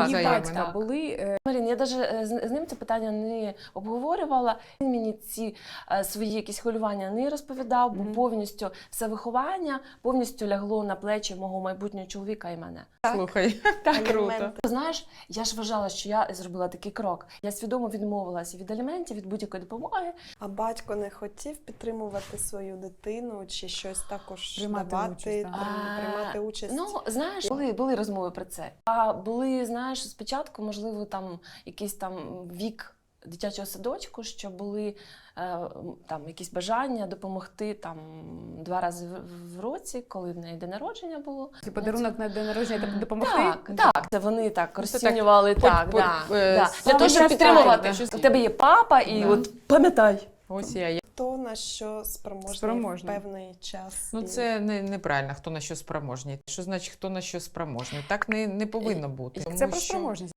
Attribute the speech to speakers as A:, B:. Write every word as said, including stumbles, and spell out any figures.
A: заяви,
B: батька
A: да.
B: були.
C: Марін, я навіть з з ним це питання не обговорювала. Він мені ці е, свої якісь хвилювання не розповідав, бо
B: Мгм.
C: повністю все виховання повністю лягло на плечі мого майбутнього чоловіка і мене.
A: Слухай,
C: Так,
A: круто.
C: Ти знаєш, я ж вважала, що я зробила такий крок. Я свідомо відмовилася від аліментів, від будь-якої допомоги.
D: А батько не хотів підтримувати свою дитину чи щось також
B: Приймати
D: давати,
B: участь, так.
D: прийм- приймати участь?
C: Ну, знаєш, були, були розмови про це. А були, знаєш, спочатку, можливо, там якийсь там вік дитячого садочку, що були е, там якісь бажання допомогти там два рази в, в році, коли в неї день народження було.
B: Це подарунок на день народження та допомогти?
C: Так, так. Це вони так
A: Ну, це
C: розцінювали,
A: так,
C: так,
A: по-
C: да,
A: по- е,
C: да.
A: з
C: Для того, щоб
B: пам'ятаю,
C: підтримувати.
A: да.
C: У тебе є папа, і
A: Да.
C: от пам'ятай.
A: Ось я.
D: Хто на що спроможний,
B: Спроможний.
D: в певний час?
A: Ну
D: і-
A: це не, неправильно, хто на що спроможний. Що значить, хто на що спроможний? Так не, не повинно бути.
B: Це
A: Тому
B: про
A: що-
B: спроможність.